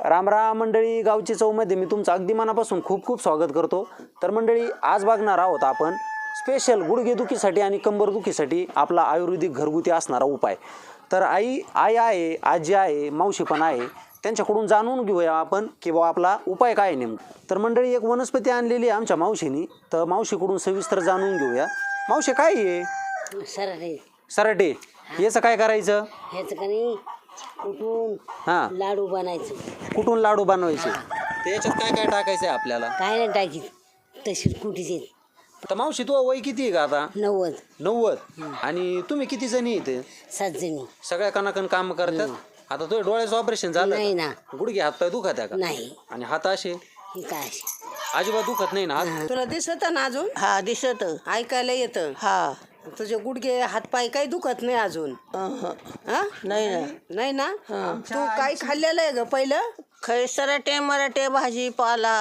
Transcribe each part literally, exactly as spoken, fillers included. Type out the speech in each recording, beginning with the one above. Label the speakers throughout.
Speaker 1: राम राम मंडळी, गावची चवमध्ये मी तुमचं अगदी मनापासून खूप खूप स्वागत करतो. तर मंडळी, आज बघणार आहोत आपण स्पेशल गुडघेदुखीसाठी आणि कंबरदुखीसाठी आपला आयुर्वेदिक घरगुती असणारा उपाय. तर आई आई आहे, आजी आहे, मावशी पण आहे, त्यांच्याकडून जाणून घेऊया आपण की बाबा आपला उपाय काय आहे नेमका. तर मंडळी, एक वनस्पती आणलेली आहे आमच्या मावशीनी, तर मावशीकडून सविस्तर जाणून घेऊया. मावशी, काय आहे?
Speaker 2: सराटे
Speaker 1: सराटे. याचं काय करायचं?
Speaker 2: ह्याचं का नाही कुठून
Speaker 1: हां,
Speaker 2: लाडू बनायचं.
Speaker 1: कुठून लाडू बनवायचे? तर याच्यात काय काय टाकायचं आहे आपल्याला?
Speaker 2: काय नाही टाकीत, तशीच कुठीचे.
Speaker 1: तर मावशी, तू वय किती आहे का आता?
Speaker 2: नव्वद.
Speaker 1: नव्वद. आणि तुम्ही किती जणी इथे?
Speaker 2: सात जणी.
Speaker 1: सगळ्या कणाकण काम करतात. आता तुझ्या डोळ्याचं ऑपरेशन झालं?
Speaker 2: नाही ना.
Speaker 1: गुडघे हात पाय दुखत आहे का?
Speaker 2: नाही.
Speaker 1: आणि हात असे
Speaker 2: हे काय
Speaker 1: अजिबात दुखत नाही ना हात?
Speaker 3: तुला दिसत ना अजून?
Speaker 4: हा दिसत.
Speaker 3: ऐकायला येतं?
Speaker 4: हा
Speaker 3: तुझे गुडघे हातपाय काही दुखत नाही अजून?
Speaker 4: अहं.
Speaker 3: हा?
Speaker 4: नाही ना.
Speaker 3: नाही ना. तू काय खाल्लेलं आहे ग पहिलं?
Speaker 4: खैसराटे मराठे भाजी पाला,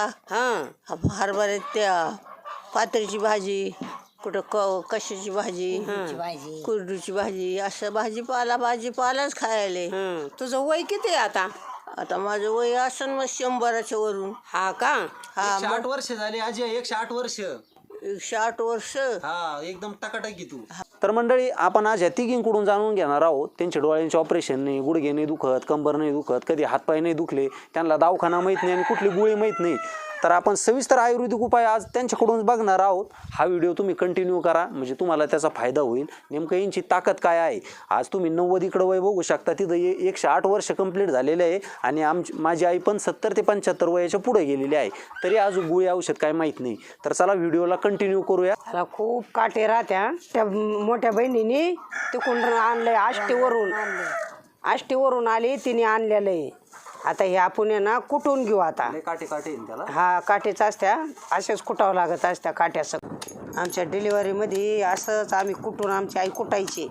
Speaker 3: हा
Speaker 4: हरभरे त्या पात्रीची भाजी, कुठं क कशाची भाजी,
Speaker 2: भाजी.
Speaker 4: कुरडूची भाजी, असं भाजीपाला भाजीपालाच खायले.
Speaker 3: हं. तुझं वय किती आहे आता?
Speaker 4: आता माझं वय असन मग शंभराच्या वरून.
Speaker 3: हा का?
Speaker 4: हा
Speaker 1: एकशे आठ वर्ष झाले आजी, एकशे आठ वर्ष.
Speaker 4: एकशे आठ वर्ष.
Speaker 1: हा, एकदम टकाटकी तू. तर मंडळी, आपण आज ह्या तिघींकडून जाणून घेणार आहोत. त्यांच्या डोळ्यांचे ऑपरेशन नाही, गुडघे नाही दुखत, कंबर नाही दुखत, कधी हातपाय नाही दुखले, त्यांना दवाखाना माहीत नाही आणि कुठली गोळी माहीत नाही. तर आपण सविस्तर आयुर्वेदिक उपाय आज त्यांच्याकडून बघणार आहोत. हा व्हिडिओ तुम्ही कंटिन्यू करा, म्हणजे तुम्हाला त्याचा फायदा होईल. नेमकं यांची ताकद काय आहे. आज तुम्ही नव्वद इकडं वय बघू शकता, तिथं ए एकशे आठ वर्ष कंप्लीट झालेले आहे आणि आमची माझी आई पण सत्तर ते पंच्याहत्तर वयाच्या पुढे गेलेली आहे, तरी अजून गोळी औषध काय माहीत नाही. तर चला व्हिडिओला कंटिन्यू करूया.
Speaker 3: त्याला खूप काटे राहत्या. त्या मोठ्या बहिणीने तिकडून आणलंय आष्टीवरून. आष्टीवरून आली, तिने आणलेलं आहे. आता हे आपण आहे ना कुटून घेऊ आता.
Speaker 1: काटे काटे येईन त्याला.
Speaker 3: हा, काटेच असत्या, असेच कुटावं लागत असत्या काट्या सगळं. आमच्या डिलिव्हरीमध्ये असंच आम्ही कुटून, आमची आई कुटायची,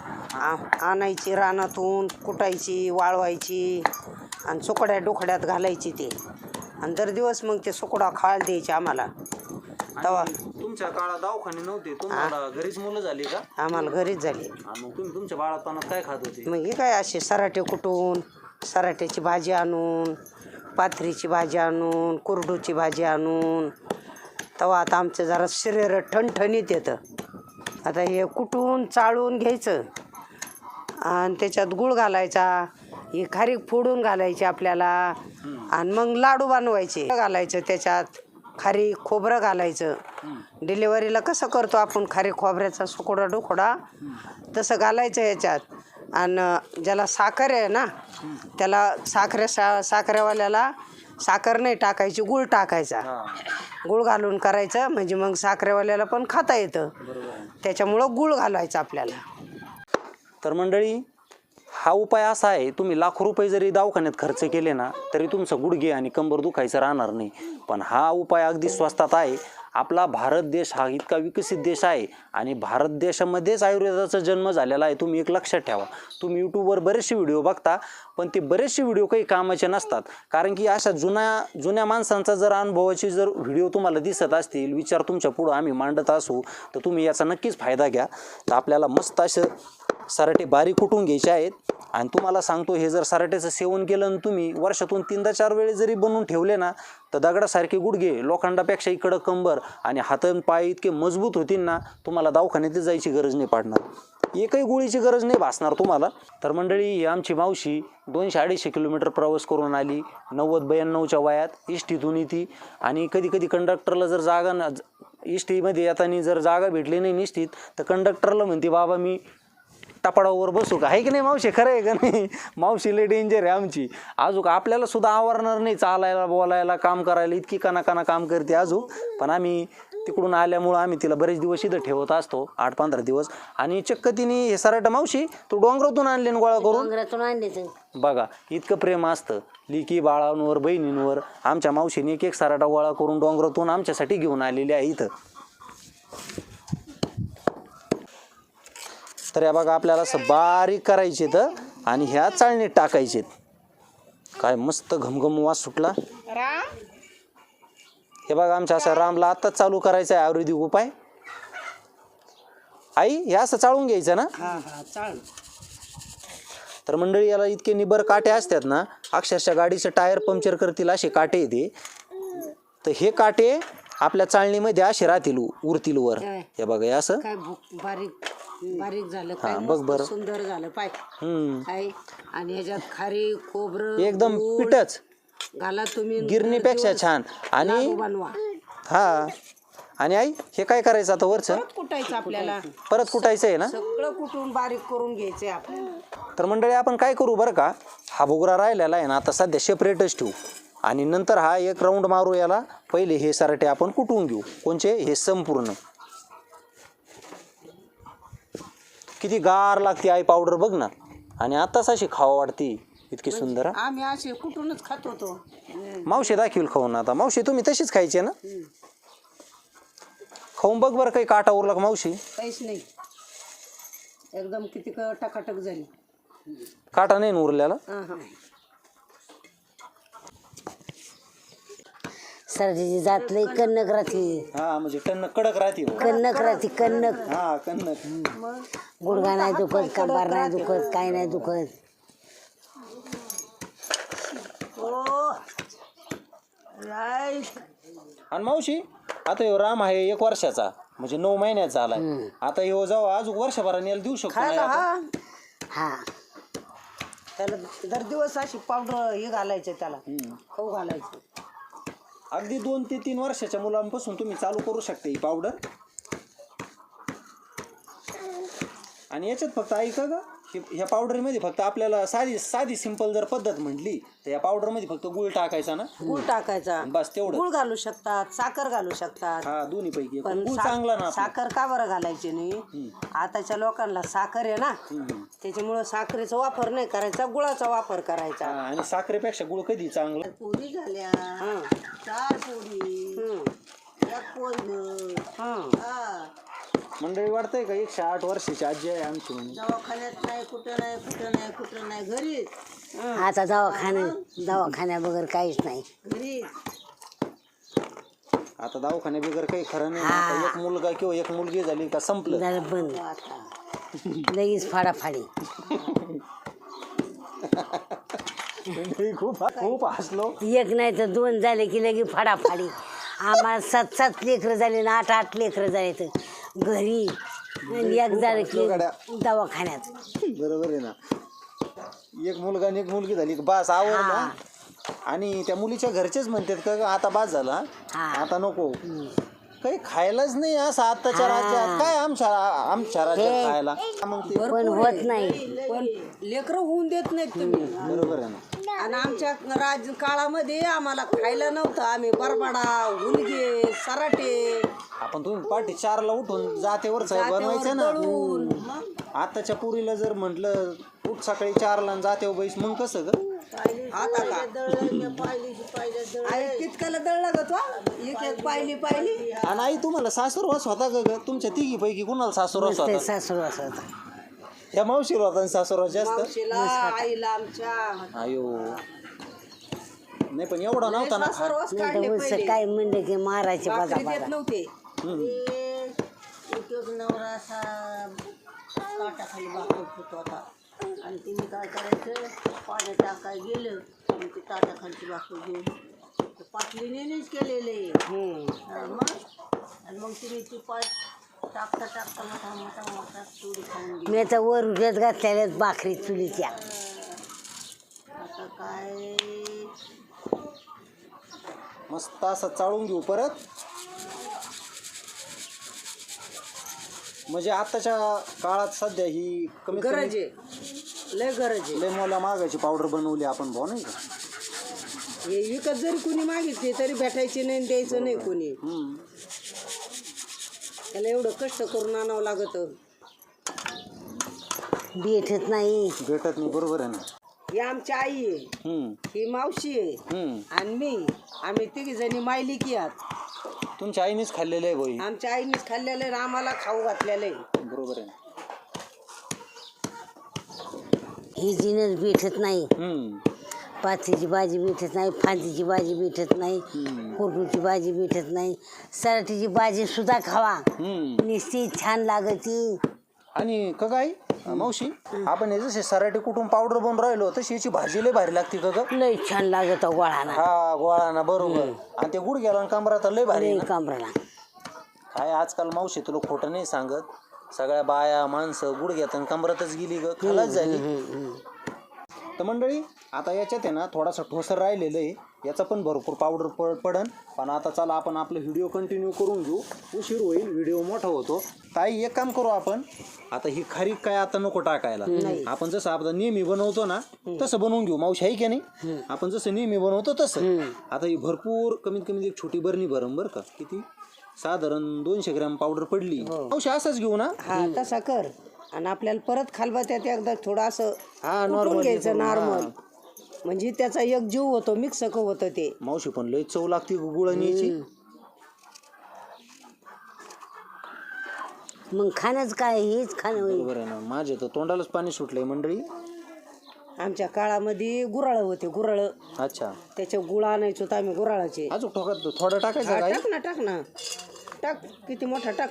Speaker 3: आ आणायची रानातून, कुटायची, वाळवायची आणि सुकड्या डोकड्यात घालायची ते, आणि दर दिवस मग ते सुकडा खायला द्यायचे आम्हाला. तेव्हा
Speaker 1: तुमच्या काळात दवाखाने नव्हते, तुम्हाला घरीच मुलं झाली का?
Speaker 3: आम्हाला घरीच झाली.
Speaker 1: मग तुम्ही तुमच्या बाळापणात काय खात होते?
Speaker 3: मग हे काय असे सराटे कुटून, सराट्याची भाजी आणून, पाथरीची भाजी आणून, कुरडूची भाजी आणून. तेव्हा आता आमचं जरा शरीर ठणठणीत येतं. आता हे कुटून चाळून घ्यायचं आणि त्याच्यात गूळ घालायचा, ही खारीक फोडून घालायची आपल्याला, आणि मग लाडू बनवायचे. घालायचं त्याच्यात खारीक खोबरं घालायचं. डिलिव्हरीला कसं करतो आपण खारीक खोबऱ्याचा सुकोडा डोकोडा, तसं घालायचं ह्याच्यात. आणि ज्याला साखर आहे ना, त्याला साखरे सा साखरेवाल्याला साखर नाही टाकायची, गूळ टाकायचा. गूळ घालून करायचं, म्हणजे मग साखरेवाल्याला पण खाता येतं. त्याच्यामुळं गूळ घालायचं आपल्याला.
Speaker 1: तर मंडळी, हा उपाय असा आहे, तुम्ही लाखो रुपये जरी दवाखान्यात खर्च केले ना, तरी तुमचं गुडघे आणि कंबर दुखायचं राहणार नाही. पण हा उपाय अगदी स्वस्तात आहे. आपला भारत देश हा इतका विकसित देश आहे आणि भारत देशामध्येच आयुर्वेदाचा जन्म झालेला आहे. तुम्ही एक लक्षात ठेवा. तुम्ही यूट्यूबवर बरेचसे व्हिडिओ बघता, पण ते बरेचसे व्हिडिओ काही कामाचे नसतात. कारण की अशा जुन्या जुन्या माणसांचा जर अनुभवाची जर व्हिडिओ तुम्हाला दिसत असतील, विचार तुमच्या पुढं आम्ही मांडत असू, तर तुम्ही याचा नक्कीच फायदा घ्या. तर आपल्याला मस्त असं सराटे बारीक कुटून घ्यायचे आहेत. आणि तुम्हाला सांगतो, हे जर सराट्याचं सेवन केलं आणि तुम्ही वर्षातून तीनदा चार वेळे जरी बनवून ठेवले ना, तर दगडासारखे गुडघे, लोखंडापेक्षा इकडं कंबर आणि हात पाय इतके मजबूत होतील ना, तुम्हाला दवाखान्यात जायची गरज नाही पडणार. एकही गोळीची गरज नाही भासणार तुम्हाला. तर मंडळी, ही आमची मावशी दोनशे अडीचशे किलोमीटर प्रवास करून आली, नव्वद ब्याण्णवच्या वयात इष्टीतून येते. आणि कधी कधी कंडक्टरला जर जागा न इष्टीमध्ये येताना जर जागा भेटली नाही निष्ठीत, तर कंडक्टरला म्हणते, बाबा मी टपाडावर बसू का? आहे की नाही मावशी? खरं आहे का नाही? मावशी लय डेंजर आहे आमची. अजून आपल्याला सुद्धा आवरणार नाही चालायला, बोलायला, काम करायला, इतकी कानाकाना काम करते अजून. पण आम्ही तिकडून आल्यामुळं आम्ही तिला बरेच दिवस इथं ठेवत असतो, आठ पंधरा दिवस. आणि चक्क तिने हे सराटा, मावशी तू डोंगरातून आणले गोळा करून?
Speaker 2: डोंगरातून आणले तर
Speaker 1: बघा, इतकं प्रेम असतं लिकी बाळांवर, बहिणींवर. आमच्या मावशीने एक एक सराटा गोळा करून डोंगरातून आमच्यासाठी घेऊन आलेली आहे इथं. तर या बघा, आपल्याला असं बारीक करायचे तर, आणि ह्या चाळणीत टाकायचे. काय मस्त घमघम वास सुटला. हे बघा, आमच्या असं रामला आत्ताच चालू करायचं आहे आयुर्वेदिक उपाय. आई, हे असं चाळून घ्यायचं ना?
Speaker 3: हा हा चाळ.
Speaker 1: तर मंडळी याला इतके निबर काटे असतात ना, अक्षरशः गाडीचं टायर पंक्चर करतील असे काटे येते. तर हे काटे आपल्या चाळणीमध्ये असे राहतील, उरतील वर. हे बघा हे असं
Speaker 3: काय भूक बारीक बारीक झालं
Speaker 1: हा,
Speaker 3: काय
Speaker 1: बघ बरं.
Speaker 3: मस्त सुंदर झालं पाय
Speaker 1: हम्म
Speaker 3: काय. आणि ह्याच्यात खारी खोबरं
Speaker 1: एकदम
Speaker 3: गूळ
Speaker 1: पिठच
Speaker 3: घाला तुम्ही,
Speaker 1: गिरणीपेक्षा छान. आणि
Speaker 3: लाडू बनवा.
Speaker 1: हा आणि आई हे काय करायचं आता वरचं
Speaker 3: परत कुटायचं आपल्याला,
Speaker 1: परत कुटायचं आहे ना.
Speaker 3: सगळं कुटून बारीक करून घ्यायचंय आपल्याला.
Speaker 1: तर मंडळी आपण काय करू बरं का, हा भुगरा राहिलेला आहे ना आता सध्या सेपरेटच ठेवू आणि नंतर हा एक राऊंड मारू. याला पहिले हे सराटे आपण कुटून घेऊ. कोणचे हे संपूर्ण. किती गार लागते आई पावडर बघ ना. आणि आताच अशी खावा वाटती, इतकी सुंदर.
Speaker 3: आम्ही असे कुटूनच खात होतो.
Speaker 1: मावशी दाखवील खाऊन. आता मावशी तुम्ही तशीच खायची ना, खाऊन बघ बरं. काही काटा उरला का मावशी?
Speaker 3: काहीच नाही, एकदम किती क- टकाटक झाली.
Speaker 1: काटा नाही ना उरल्याला.
Speaker 3: हा हा.
Speaker 2: सरजीची जात लई कन्नक राहते.
Speaker 1: हा म्हणजे टन्न कडक राहते.
Speaker 2: कन्नक राहते कन्नक.
Speaker 1: हा कन्नक.
Speaker 2: गुडघा नाही दुखत, कंबार नाही दुखत, काय नाही दुखत.
Speaker 1: आणि मावशी आता ह्यो राम आहे एक वर्षाचा, म्हणजे नऊ महिन्याचा झालाय. आता ह्यो जेव्हा अजून वर्षभराने याला देऊ शकतो नाही
Speaker 3: खायला
Speaker 1: आपण?
Speaker 3: हा
Speaker 2: हा
Speaker 3: त्याला दर दिवस अशी पावडर हे घालायचं, त्याला खाऊ घालायचं.
Speaker 1: अगदी दोन ते तीन वर्षाच्या मुलांपासून तुम्ही चालू करू शकता ही पावडर. आणि याच्यात फक्त ऐका ग, ह्या पावडरमध्ये फक्त आपल्याला साधी साधी सिंपल जर पद्धत म्हटली तर या पावडरमध्ये फक्त गुळ टाकायचा ना.
Speaker 3: गुळ टाकायचा,
Speaker 1: बस तेवढं.
Speaker 3: गुळ घालू शकतात, साखर घालू शकतात.
Speaker 1: हा दोन्ही पैकी
Speaker 3: पण
Speaker 1: गुळ
Speaker 3: सा-
Speaker 1: चांगला ना आपला.
Speaker 3: साखर का बरं घालायची नाही? आताच्या लोकांना साखर आहे ना, त्याच्यामुळं साखरेचा वापर नाही करायचा, गुळाचा वापर करायचा.
Speaker 1: हा, आणि साखरेपेक्षा गुळ कधी चांगला.
Speaker 4: पोळी झाल्या,
Speaker 3: हं.
Speaker 4: चार पोळी,
Speaker 3: हं.
Speaker 4: एक पोळी.
Speaker 3: हं.
Speaker 4: हा,
Speaker 1: मंडळी वाटतंय का एकशे आठ वर्षाची आजी आहे आमची म्हणजे.
Speaker 4: दवाखान्यात नाही, कुठं नाही, कुठं नाही, कुठं नाही, घरीच
Speaker 2: आता दवाखाने दवाखान्या बगर काहीच नाही.
Speaker 4: घरीच.
Speaker 1: आता दवाखान्या बिगर काही खरं नाही. आता एक मुलगा किंवा एक मुलगी झाली का संपलं.
Speaker 2: झालं बंद, लगेच फाडाफाडी.
Speaker 1: खूप खूप हसलो.
Speaker 2: एक नाही तर दोन झाले की लगे फाडाफाडी. आम्हाला सात सात लेकरं झाले ना, आठ आठ लेकरं झाले तर घरी. आणि एक झालं की दवाखान्यात.
Speaker 1: बरोबर आहे ना. एक मुलगा आणि एक मुलगी झाली की बास आवडला. आणि त्या मुलीच्या घरचेच म्हणतात का ग, आता बास झाला, आता नको. काही खायलाच नाही असं आत्ताच्या राज्यात. काय आमच्या आमच्या राज्यात खायला मग ते.
Speaker 2: पण होत नाही.
Speaker 3: पण लेकरं होऊन देत नाहीत तुम्ही.
Speaker 1: बरोबर आहे ना.
Speaker 3: आणि आमच्या राज काळामध्ये आम्हाला खायला नव्हतं. आम्ही बरबाडा, हुलगे, सराटे,
Speaker 1: आपण तुम्ही पाठी चारला उठून जातेवर बनवायचं ना. आताच्या पुरीला जर म्हटलं उठ सकाळी चारला आणि जाते बैस, मग कसं ग.
Speaker 3: आता का आई तितक्याला दळलं ग तो, एक एक पाहिली पाहिली.
Speaker 1: आणि आई तुम्हाला सासूरवास होता का ग? तुमच्या तिघी पैकी कुणाला सासूरवास
Speaker 2: ते
Speaker 1: होता?
Speaker 2: सासू असं
Speaker 1: या मावशीला होता आणि सासूरवास जास्त.
Speaker 3: मावशीला, आईला आमच्या
Speaker 1: अयो नाही पण एवढा नव्हता ना.
Speaker 3: सासरवास काढले
Speaker 2: उलस
Speaker 3: पहिले.
Speaker 2: काय म्हणले की मारायचे बाजा
Speaker 3: भाकरी
Speaker 2: बाजा.
Speaker 3: देत नव्हते.
Speaker 4: एक एक नवरा असा ताटाखाली भाकरी होत होता. आणि तिने काय करायचं, पाणी टाकाय गेलं आणि ते ताटाखालची भाकरी घेऊन ते पाटलीनेच केलेले. हा, मग आणि मग तिने ती पाट टाकता टाकता मोठा मोठा मोठा चुडी खाऊन गेली.
Speaker 2: मी तर वर उठत घातलेल्या भाकरी चुलीच्या.
Speaker 4: आता काय
Speaker 1: मस्त असं चाळून घेऊ परत. म्हणजे आताच्या काळात सध्या ही कमी
Speaker 3: गरज आहे, लय गरज आहे.
Speaker 1: लय मोला मागायची पावडर बनवली आपण भाऊ नाही का.
Speaker 3: हे विकत जरी कोणी मागितली तरी भेटायची नाही आणि द्यायचं नाही कोणी.
Speaker 1: हम्म.
Speaker 3: त्याला एवढं कष्ट करून आणावं लागत.
Speaker 2: भेटत नाही.
Speaker 1: भेटत नाही. बरोबर आहे ना.
Speaker 3: ही आमची आई आहे,
Speaker 1: हम्म
Speaker 3: ही मावशी आहे
Speaker 1: हम्म.
Speaker 3: आणि मी. आम्ही तिघी जणी मायलिकी आहात.
Speaker 1: तुमच्या आईनेच खाल्लेलं आहे भाई.
Speaker 3: आमच्या आईनेच खाल्लेलं आहे, आम्हाला खाऊ घातलेलं आहे.
Speaker 1: बरोबर आहे ना.
Speaker 2: ही जिनस भेटत नाही.
Speaker 1: हम्म.
Speaker 2: पाथीची भाजी भेटत नाही, फांदीची भाजी भेटत नाही, कोरडूची भाजी भेटत नाही. सराटीची भाजी सुद्धा खावा,
Speaker 1: हम्म.
Speaker 2: नुसती छान लागती.
Speaker 1: आणि का आई मावशी आपण हे जसे सराटे कुटुंब पावडर बनवून राहिलो तशी याची भाजी लय भारी लागते का ग?
Speaker 2: लय छान लागत गोळाना
Speaker 1: हा गोळाना बरोबर. आणि ते गुड गेला कमरात लय भारी
Speaker 2: लय
Speaker 1: ना.
Speaker 2: कांबराला
Speaker 1: काय आजकाल मावशी तुला खोटं नाही सांगत, सगळ्या बाया माणसं गुड घेतात कमरातच गेली ग, खलाच झाली. तर मंडळी आता याच्यात आहे ना थोडासा ठोसर राहिलेलं आहे, याचा पण भरपूर पावडर पड पडन पण आता चला आपण आपलं व्हिडिओ कंटिन्यू करून घेऊ, उशीर होईल, व्हिडिओ मोठा होतो. ताई एक काम करू आपण, आता ही खारीक काय आता नको टाकायला, आपण जसं आपण नेहमी बनवतो ना तसं बनवून घेऊ. मावशी आहे की नाही, आपण जसं नेहमी बनवतो तसं. आता ही भरपूर कमीत कमी एक छोटी बरणी भरम बरं का, किती साधारण दोनशे ग्रॅम पावडर पडली. मावशी असंच घेऊ ना?
Speaker 3: हा तसा कर. आणि आपल्याला परत खालबात्यात एकदा थोडं असं
Speaker 1: हा
Speaker 3: कुटून
Speaker 1: नॉर्मल
Speaker 3: घ्यायचं नॉर्मल, म्हणजे त्याचा एक जीव होतो, मिक्स होतं ते.
Speaker 1: मावशी पण लय चव लागते गुळणीची.
Speaker 2: मग खाणंच काय हेच खाणं होईल.
Speaker 1: बरोबर आहे ना, माझे तर तोंडालाच पाणी सुटलंय मंडळी.
Speaker 3: आमच्या काळामध्ये गुराळ होते, गुराळ
Speaker 1: अच्छा
Speaker 3: त्याचे गुळ आणायचो तर आम्ही गुराळाचे.
Speaker 1: अजून ठोकात थोडं टाकायचं
Speaker 3: हा,
Speaker 1: काय?
Speaker 3: टाक ना टाक ना टाक, किती मोठा टाक.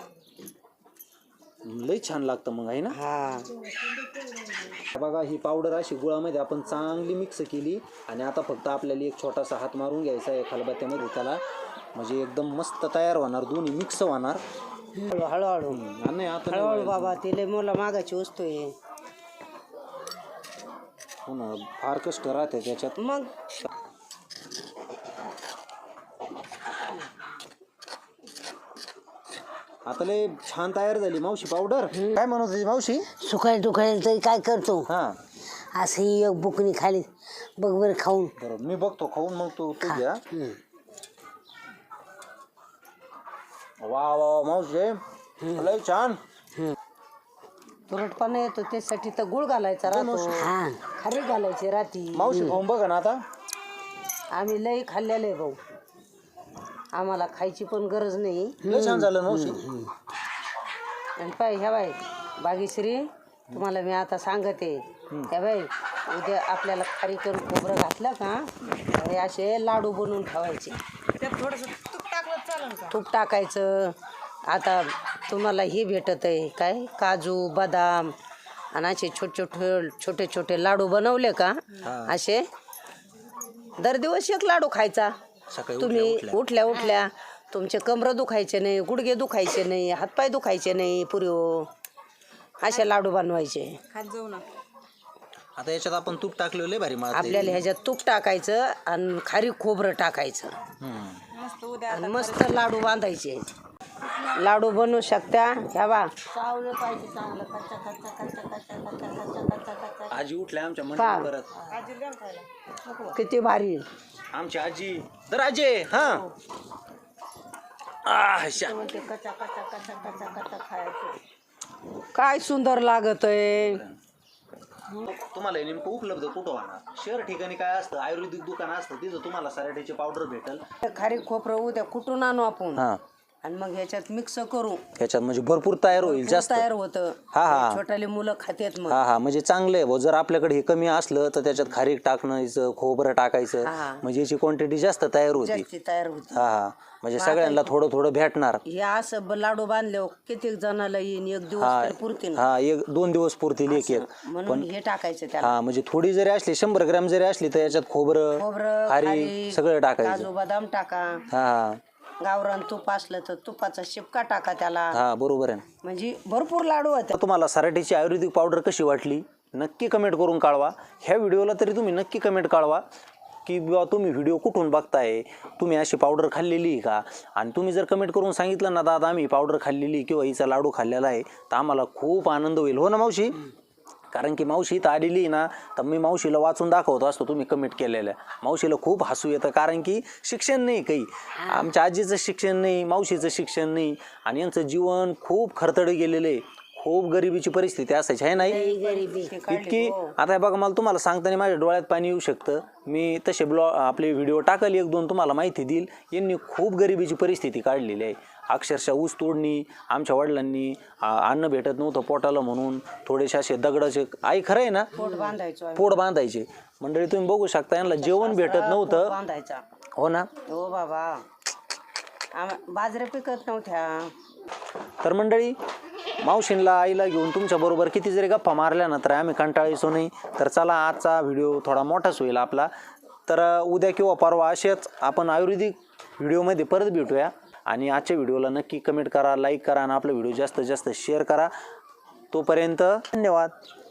Speaker 1: लय छान लागतं मग आहे ना.
Speaker 3: हा
Speaker 1: बघा ही पावडर अशी गुळामध्ये आपण चांगली मिक्स केली आणि आता फक्त आपल्याला एक छोटासा हात मारून घ्यायचा आहे खलबत्त्यामध्ये त्याला, म्हणजे एकदम मस्त तयार होणार, दोन्ही मिक्स होणार.
Speaker 3: हळू हळूहळू
Speaker 1: नाही आता
Speaker 3: हळूहळू बाबा, ते लय मोला मागाची वस्तू आहे.
Speaker 1: हो ना, फार कष्ट राहते त्याच्यात.
Speaker 3: मग
Speaker 1: आता लय छान तयार झाली मावशी पावडर. काय म्हणत होती मावशी?
Speaker 2: सुकायला टुकायला तरी काय करतो,
Speaker 1: हा
Speaker 2: असं ही एक बुकणी खाली बघ बरं खाऊन.
Speaker 1: बरोबर, मी बघतो खाऊन मग तू तू घ्या. वा वा मावशी लय छान.
Speaker 3: तुरटपणा येतो त्यासाठी तर गुळ घालायचा राहतो,
Speaker 2: हा
Speaker 3: खारी घालायची राहती.
Speaker 1: मावशी खाऊन बघा ना आता.
Speaker 3: आम्ही लई खाल्लेलं आहे भाऊ, आम्हाला खायची पण गरज नाही.
Speaker 1: लय छान झालं मावशी.
Speaker 3: आणि पाय ह्या बाई बागेश्री, तुम्हाला मी आता सांगते, ह्या बाई उद्या आपल्याला खारी करून खोबरं घातलं का हे असे लाडू बनवून ठेवायचे. त्यात थोडंसं तूप टाकलं चालेल का? तूप टाकायचं. आता तुम्हाला हे भेटत आहे काय, काजू बदाम आणि असे छोटे छोटे छोटे छोटे लाडू बनवले का, असे दर दिवस एक लाडू खायचा.
Speaker 1: सकाळी
Speaker 3: तुम्ही उठल्या उठल्या तुमचे कमरं दुखायचे नाही, गुडघे दुखायचे नाही, हातपाय दुखायचे नाही, पुरीओ असे लाडू बनवायचे.
Speaker 1: आता याच्यात आपण तूप टाकलेलं लय भारी मारते.
Speaker 3: आपल्याला ह्याच्यात तूप टाकायचं आणि खारी खोबरं टाकायचं आणि मस्त लाडू बांधायचे. लाडू बनवू शकता. ह्या बा
Speaker 4: चावलं पाहिजे चांगलं, कच्चा कच्चा कच्चा कच्चा कच्चा कच्चा कच्चा कच्चा.
Speaker 1: आजी उठल्या आमच्या
Speaker 3: पहा.
Speaker 1: मंडळी परत.
Speaker 3: किती भारी.
Speaker 1: आमची आजी तर आजी हा आह, शा.
Speaker 4: म्हणते कच्चा कच्चा कच्चा कच्चा कच्चा खायचं.
Speaker 3: काय सुंदर लागत आहे.
Speaker 1: तुम्हाला हे नेमकं उपलब्ध कुठं होणार? शहर ठिकाणी काय असतं, आयुर्वेदिक दुकान असतं, तिथं तुम्हाला सराट्याची पावडर भेटेल.
Speaker 3: खारी खोबरं उद्या कुठून आणू आपण
Speaker 1: हा
Speaker 3: आणि मग ह्याच्यात मिक्स करू,
Speaker 1: ह्याच्यात म्हणजे भरपूर तयार होईल जास्त.
Speaker 3: तयार होतं.
Speaker 1: हा, हा.
Speaker 3: छोटाले मुलं खात्यात मग.
Speaker 1: हा हा म्हणजे चांगलं आहे भाऊ. जर आपल्याकडे हे कमी असलं तर त्याच्यात खारीक टाकणं, खोबरं टाकायचं,
Speaker 3: हा.
Speaker 1: म्हणजे याची क्वांटिटी जास्त तयार होती.
Speaker 3: जास्ती तयार होती.
Speaker 1: हा हा म्हणजे सगळ्यांना थोडं थोडं भेटणार.
Speaker 3: हे असं ब- लाडू बांधले किती जणाला येईन, एक दिवस
Speaker 1: हा
Speaker 3: तर पुरतील.
Speaker 1: हा एक दोन दिवस पुरतील एक एक.
Speaker 3: म्हणून हे टाकायचं त्याला.
Speaker 1: हा म्हणजे थोडी जरी असली, शंभर ग्रॅम जरी असली तर याच्यात खोबरं
Speaker 3: खोबरं
Speaker 1: खारी
Speaker 3: खारीक,
Speaker 1: सगळं टाकायचं.
Speaker 3: काजू बदाम टाका.
Speaker 1: हा हा
Speaker 3: गावरान तूप असलं तर तुपाचा शिपका टाका त्याला.
Speaker 1: हा बरोबर आहे.
Speaker 3: म्हणजे भरपूर लाडू होते.
Speaker 1: तर तुम्हाला सराटीची आयुर्वेदिक पावडर कशी वाटली नक्की कमेंट करून कळवा. ह्या व्हिडिओला तरी तुम्ही नक्की कमेंट कळवा की बाबा तुम्ही व्हिडिओ कुठून बघताय, तुम्ही अशी पावडर खाल्लेली आहे का. आणि तुम्ही जर कमेंट करून सांगितलं ना दादा आम्ही पावडर खाल्लेली किंवा हिचा लाडू खाल्लेला आहे, तर आम्हाला खूप आनंद होईल. हो ना मावशी? कारण की मावशी इथं आलेली ना, तर मी मावशीला वाचून दाखवतो असतो तुम्ही कमेंट केलेल्या. मावशीला खूप हसू येतं, कारण की शिक्षण नाही काही, आमच्या आजीचं शिक्षण नाही, मावशीचं शिक्षण नाही, आणि यांचं जीवन खूप खरतड गेलेलं आहे. खूप गरिबीची परिस्थिती असायची आहे नाही
Speaker 2: गरिबी
Speaker 1: इतकी. आता हे बघा, मला तुम्हाला सांगताना माझ्या डोळ्यात पाणी येऊ शकतं. मी तसे ब्लॉ आपले व्हिडिओ टाकल, एक दोन तुम्हाला माहिती देईल. यांनी खूप गरिबीची परिस्थिती काढलेली आहे. अक्षरशः ऊस तोडणी, आमच्या वडिलांनी अन्न भेटत नव्हतं पोटाला म्हणून थोडेसे असे दगडाचे, आई खरं आहे ना,
Speaker 3: पोट बांधायचो
Speaker 1: पोट बांधायचे. मंडळी तुम्ही बघू शकता, यांना जेवण भेटत नव्हतं.
Speaker 3: बांधायचा.
Speaker 1: हो ना.
Speaker 3: हो बाबा, आम- बाजऱ्या पिकत नव्हत्या.
Speaker 1: तर मंडळी मावशींला आईला घेऊन तुमच्याबरोबर किती जरी गप्पा मारल्या ना तर आम्ही कंटाळायचो नाही. तर चला आजचा व्हिडिओ थोडा मोठाच होईल आपला. तर उद्या किंवा परवा असेच आपण आयुर्वेदिक व्हिडिओमध्ये परत भेटूया. आणि आजच्या व्हिडिओला नक्की कमेंट करा, लाईक करा आणि आपला व्हिडिओ जास्तीत जास्त शेअर करा. तोपर्यंत धन्यवाद.